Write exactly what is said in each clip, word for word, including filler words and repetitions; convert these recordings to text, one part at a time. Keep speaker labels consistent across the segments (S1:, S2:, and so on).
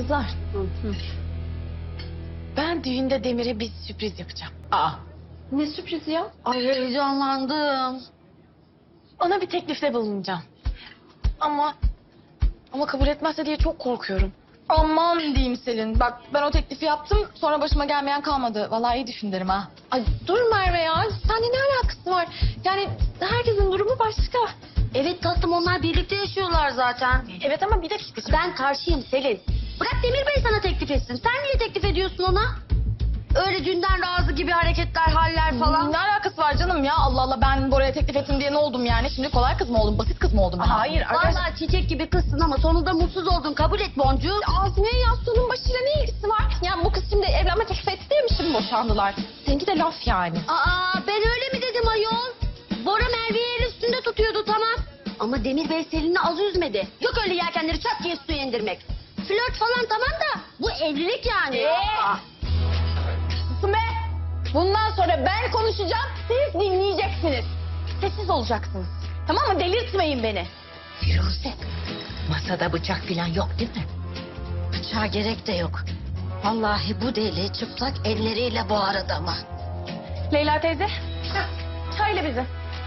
S1: Kızlar. Hı. Ben düğünde Demir'e bir sürpriz yapacağım. Aa.
S2: Ne sürprizi ya?
S3: Ay heyecanlandım.
S1: Ona bir teklifte bulunacağım. Ama ama kabul etmezse diye çok korkuyorum.
S2: Aman diyeyim Selin. Bak ben o teklifi yaptım sonra başıma gelmeyen kalmadı. Vallahi iyi düşün derim ha.
S1: Ay dur Merve ya. Seninle ne alakası var? Yani herkesin durumu başka.
S3: Evet tatlım, onlar birlikte yaşıyorlar zaten.
S1: Evet ama bir dakika.
S3: Ben karşıyım Selin. Bırak Demir Bey sana teklif etsin. Sen niye teklif ediyorsun ona? Öyle dünden razı gibi hareketler, haller falan.
S2: Ne alakası var canım ya? Allah Allah, ben Bora'ya teklif ettim diye ne oldum yani? Şimdi kolay kız mı oldum, basit kız mı oldum ben?
S1: Hayır arkadaşlar.
S3: Vallahi çiçek gibi kızsın ama sonunda mutsuz oldun. Kabul et Boncuğum.
S2: Azmiye Yastı'nın başıyla ne ilgisi var? Yani bu kız şimdi evlenme teklif etti diye mi şimdi boşandılar? Seninki de laf yani.
S3: Aa, ben öyle mi dedim ayol? Bora Merve'yi el üstünde tutuyordu, tamam. Ama Demir Bey Selin'i az üzmedi. Yok öyle yelkenleri çat diye suya indirmek. Flört falan tamam da bu evlilik yani.
S2: Ee?
S3: Aa.
S2: Susun be! Bundan sonra ben konuşacağım, siz dinleyeceksiniz. Sessiz olacaksınız. Tamam mı? Delirtmeyin beni.
S4: Firuze, masada bıçak falan yok değil mi?
S3: Bıçağa gerek de yok. Vallahi bu deli çıplak elleriyle boğar adamı.
S2: Leyla teyze, çayla bizi.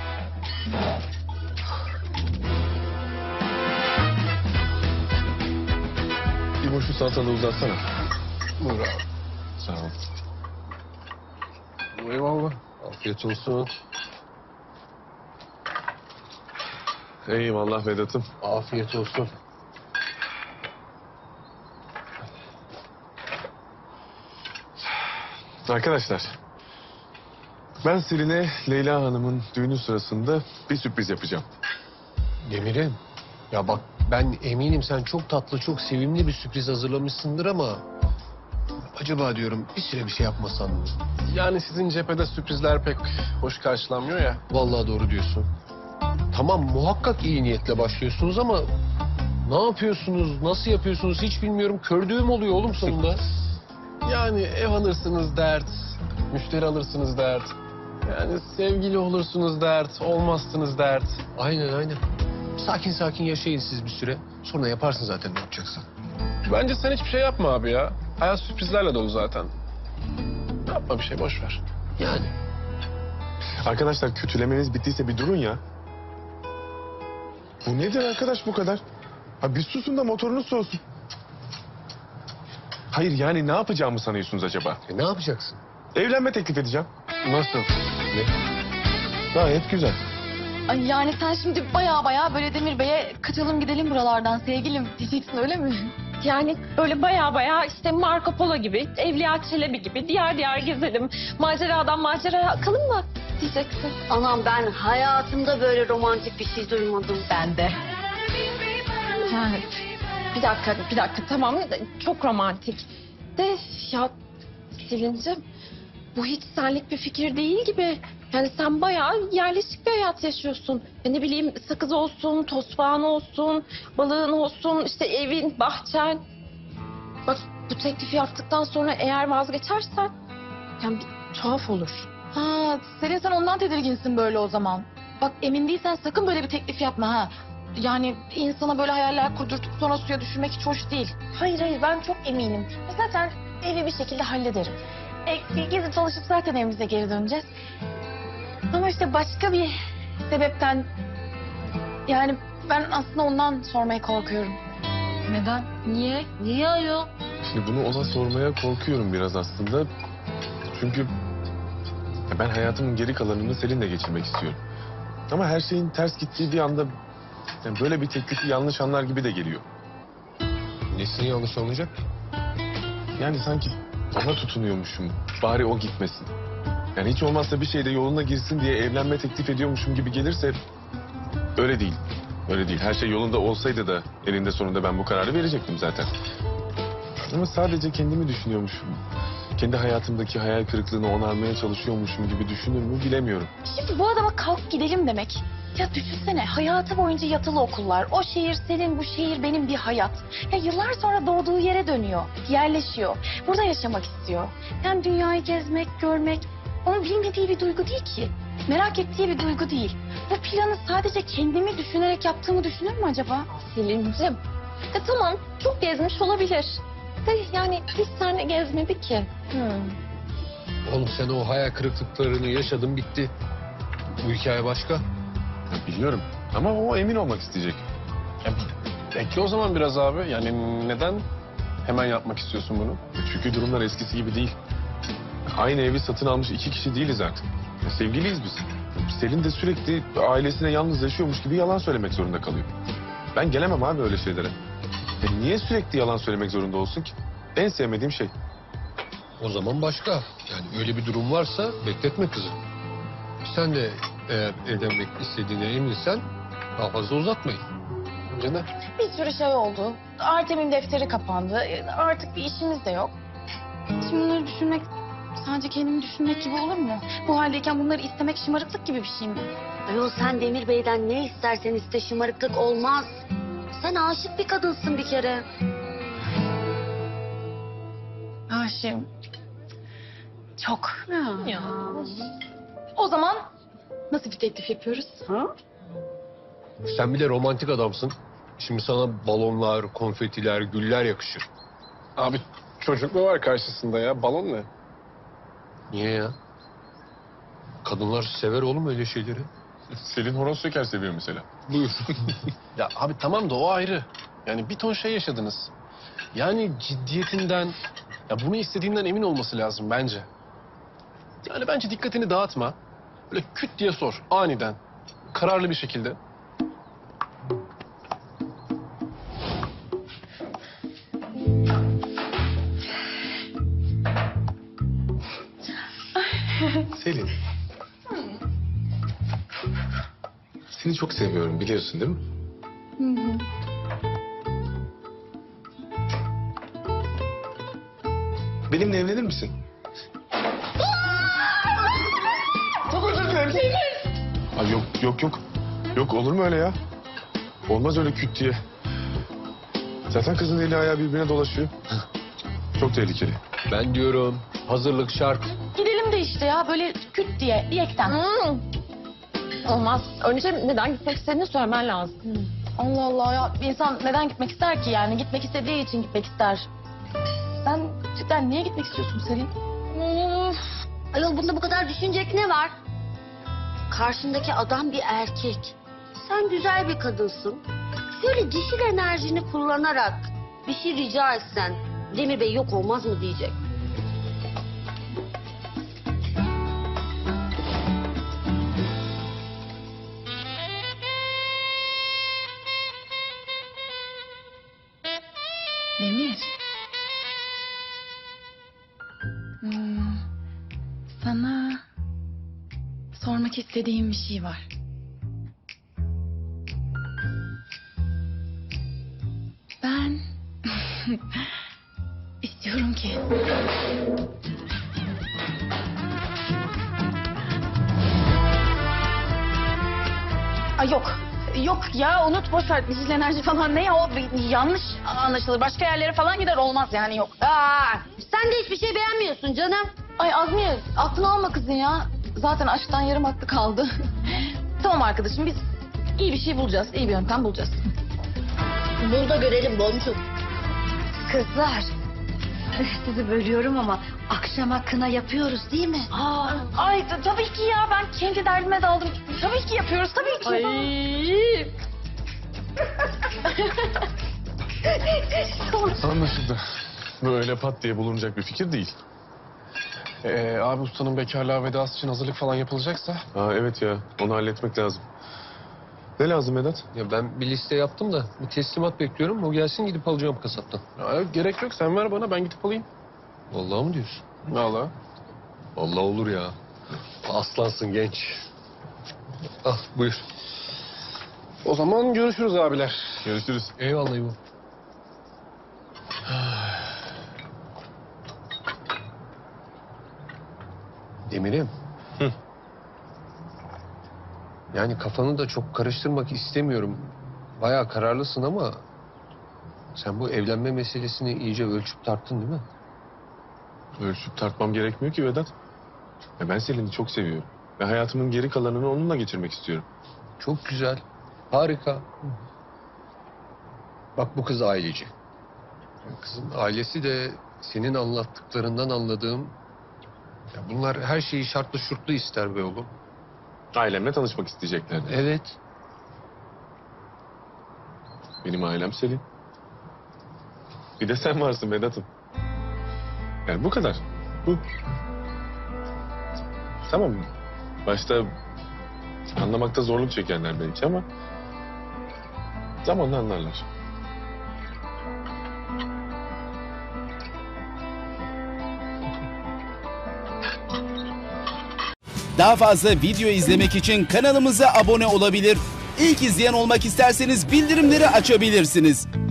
S5: Bir boşu salatalığı uzatsana. Buyur abi. Sağ ol. Eyvallah. Afiyet olsun. Eyvallah Vedat'ım. Afiyet olsun. Arkadaşlar, ben Selin'e Leyla Hanım'ın düğünü sırasında bir sürpriz yapacağım.
S6: Demir'im, ya bak ben eminim sen çok tatlı, çok sevimli bir sürpriz hazırlamışsındır ama... Acaba diyorum bir süre bir şey yapmasan mı?
S5: Yani sizin cephede sürprizler pek hoş karşılanmıyor ya.
S6: Vallahi doğru diyorsun. Tamam, muhakkak iyi niyetle başlıyorsunuz ama... Ne yapıyorsunuz, nasıl yapıyorsunuz hiç bilmiyorum. Kördüğüm oluyor oğlum sonunda.
S5: Yani ev alırsınız dert, müşteri alırsınız dert. Yani sevgili olursunuz dert, olmazsınız dert.
S6: Aynen aynen. Sakin sakin yaşayın siz bir süre. Sonra yaparsın zaten ne yapacaksan.
S5: Bence sen hiçbir şey yapma abi ya. Hayat sürprizlerle dolu zaten. Yapma bir şey, boş ver.
S6: Yani.
S7: Arkadaşlar kötülemeniz bittiyse bir durun ya. Bu nedir arkadaş bu kadar? Ha bir susun da motorunuz soğusun. Hayır yani ne yapacağımı sanıyorsunuz acaba?
S6: E, ne yapacaksın?
S7: Evlenme teklif edeceğim.
S5: Nasıl?
S6: Ne?
S7: Gayet güzel.
S2: Ay yani sen şimdi baya baya böyle Demir Bey'e kaçalım gidelim buralardan sevgilim diyeceksin, öyle mi?
S1: Yani böyle baya baya işte Marco Polo gibi, Evliya Çelebi gibi diğer diğer gezelim. Maceradan maceraya akalım mı diyeceksin.
S3: Anam, ben hayatımda böyle romantik bir şey duymadım.
S1: Ben de. Ha, bir dakika, bir dakika tamam çok romantik. De ya Selin'cim bu hiç senlik bir fikir değil gibi. Yani sen bayağı yerleşik bir hayat yaşıyorsun. Ya ne bileyim sakız olsun, tosbağan olsun, balığın olsun, işte evin, bahçen. Bak bu teklifi yaptıktan sonra eğer vazgeçersen yani bir tuhaf olur.
S2: Ha, Selin sen ondan tedirginsin böyle o zaman. Bak emin değilsen sakın böyle bir teklif yapma ha. Yani insana böyle hayaller kurdurtup sonra suya düşürmek hiç hoş değil.
S1: Hayır hayır ben çok eminim. Zaten evi bir şekilde hallederim.
S2: E, gezip çalışıp zaten evimize geri döneceğiz. Ama işte başka bir sebepten... Yani ben aslında ondan sormaya korkuyorum.
S1: Neden? Niye?
S3: Niye ayol?
S7: Şimdi bunu ona sormaya korkuyorum biraz aslında. Çünkü ya ben hayatımın geri kalanını Selin'le geçirmek istiyorum. Ama her şeyin ters gittiği bir anda yani böyle bir teklifi yanlış anlar gibi de geliyor.
S6: Nesini yanlış olacak?
S7: Yani sanki ona tutunuyormuşum. Bari o gitmesin. Yani hiç olmazsa bir şeyde yoluna girsin diye evlenme teklif ediyormuşum gibi gelirse öyle değil. Öyle değil. Her şey yolunda olsaydı da eninde sonunda ben bu kararı verecektim zaten. Ama sadece kendimi düşünüyormuşum. Kendi hayatımdaki hayal kırıklığını onarmaya çalışıyormuşum gibi düşünür mü bilemiyorum.
S2: Şimdi bu adama kalk gidelim demek. Ya düşünsene hayatı boyunca yatılı okullar. O şehir senin, bu şehir benim bir hayat. Ya yıllar sonra doğduğu yere dönüyor, yerleşiyor. Burada yaşamak istiyor. Yani dünyayı gezmek, görmek onun bilmediği bir duygu değil ki. Merak ettiği bir duygu değil. Bu planı sadece kendimi düşünerek yaptığımı düşünür mü acaba?
S1: Selin'cim. E tamam çok gezmiş olabilir. De yani hiç seninle gezmedi ki.
S6: Oğlum sen o hayal kırıklıklarını yaşadın bitti. Bu hikaye başka.
S7: Ya biliyorum ama o emin olmak isteyecek.
S5: Ya, bekle o zaman biraz abi. Yani neden hemen yapmak istiyorsun bunu?
S7: Çünkü durumlar eskisi gibi değil. Aynı evi satın almış iki kişi değiliz artık. Ya sevgiliyiz biz. Selin de sürekli ailesine yalnız yaşıyormuş gibi yalan söylemek zorunda kalıyor. Ben gelemem abi öyle şeylere. Ya niye sürekli yalan söylemek zorunda olsun ki? En sevmediğim şey.
S6: O zaman başka. Yani öyle bir durum varsa bekletme kızı. Sen de eğer evlenmek istediğine eminsen daha fazla uzatmayın.
S5: Bence de.
S2: Bir sürü şey oldu. Artem'in defteri kapandı. Artık bir işimiz de yok. Şimdi bunları düşünmek sadece kendimi düşünmek gibi olur mu? Bu haldeyken bunları istemek şımarıklık gibi bir şey mi?
S3: Ayol sen Demir Bey'den ne istersen iste şımarıklık olmaz. Sen aşık bir kadınsın bir kere.
S2: Aşığım. Çok.
S1: Ya.
S2: O zaman nasıl bir teklif yapıyoruz?
S6: Sen bir de romantik adamsın. Şimdi sana balonlar, konfetiler, güller yakışır.
S5: Abi çocuk mu var karşısında ya? Balon ne?
S6: Niye ya? Kadınlar sever oğlum öyle şeyleri.
S7: Selin horoz şeker seviyor mesela.
S6: Buyur.
S5: Ya abi tamam da o ayrı. Yani bir ton şey yaşadınız. Yani ciddiyetinden, ya bunu istediğinden emin olması lazım bence. Yani bence dikkatini dağıtma. Böyle küt diye sor aniden. Kararlı bir şekilde.
S7: Selin. Seni çok seviyorum biliyorsun değil mi? Benimle evlenir misin? Çok özür dilerim. Ay yok yok yok. Yok olur mu öyle ya? Olmaz öyle küt diye. Zaten kızın eli ayağı birbirine dolaşıyor. Çok tehlikeli.
S6: Ben diyorum hazırlık şart.
S2: Gidelim de işte ya böyle küt diye diyekten.
S1: Hmm. Olmaz. Önce neden gitmek istediğini söylemen lazım.
S2: Allah Allah ya bir insan neden gitmek ister ki yani gitmek istediği için gitmek ister. Sen cidden niye gitmek istiyorsun Selin?
S3: Of. Ayol bunda bu kadar düşünecek ne var? Karşındaki adam bir erkek. Sen güzel bir kadınsın. Şöyle dişil enerjini kullanarak bir şey rica etsen Demir Bey yok olmaz mı diyecek.
S2: Demir. Hmm, sana sormak istediğim bir şey var. Ben istiyorum ki Ay yok. Yok ya unut boş ver. Dişil enerji falan ne ya o bir- yanlış anlaşılır. Başka yerlere falan gider olmaz yani yok.
S3: Aa, sen de hiçbir şey beğenmiyorsun canım.
S2: Ay Azmiye aklını alma kızın ya. Zaten aşktan yarım aklı kaldı. Tamam arkadaşım biz iyi bir şey bulacağız. İyi bir yöntem bulacağız.
S3: Bul da görelim boncuk. Kızlar, sizi bölüyorum ama akşama kına yapıyoruz değil mi?
S2: Aa, ay t- tabii ki ya ben kendi derdime daldım. Tabii ki yapıyoruz tabii ki.
S7: Anlaşıldı. Böyle pat diye bulunacak bir fikir değil.
S5: Ee, abi ustanın bekarlığa vedası için hazırlık falan yapılacaksa.
S7: Aa, evet ya onu halletmek lazım. Ne lazım Vedat?
S6: Ya ben bir liste yaptım da bir teslimat bekliyorum. O gelsin gidip alacağım kasaptan.
S5: Ya, gerek yok sen ver bana ben gidip alayım.
S6: Vallahi mı diyorsun?
S5: Vallahi.
S6: Vallahi olur ya. Aslansın genç. Al buyur.
S5: O zaman görüşürüz abiler.
S7: Görüşürüz.
S6: Eyvallah İbo. Demir'im.
S7: Hı.
S6: Yani kafanı da çok karıştırmak istemiyorum. Bayağı kararlısın ama... ...sen bu evlenme meselesini iyice ölçüp tarttın değil mi?
S7: Ölçüp tartmam gerekmiyor ki Vedat. Ya ben Selin'i çok seviyorum. Ve hayatımın geri kalanını onunla geçirmek istiyorum.
S6: Çok güzel. Harika. Bak bu kız aileci. Kızın ailesi de senin anlattıklarından anladığım... Ya bunlar her şeyi şartlı şurtlu ister be oğlum.
S7: Ailemle tanışmak isteyeceklerdi.
S6: Evet.
S7: Benim ailem Selin. Bir de sen varsın Vedat'ım. Yani bu kadar. Bu. Tamam. Başta anlamakta zorluk çekenler belki ama zamanla anlarlar.
S8: Daha fazla video izlemek için kanalımıza abone olabilir. İlk izleyen olmak isterseniz bildirimleri açabilirsiniz.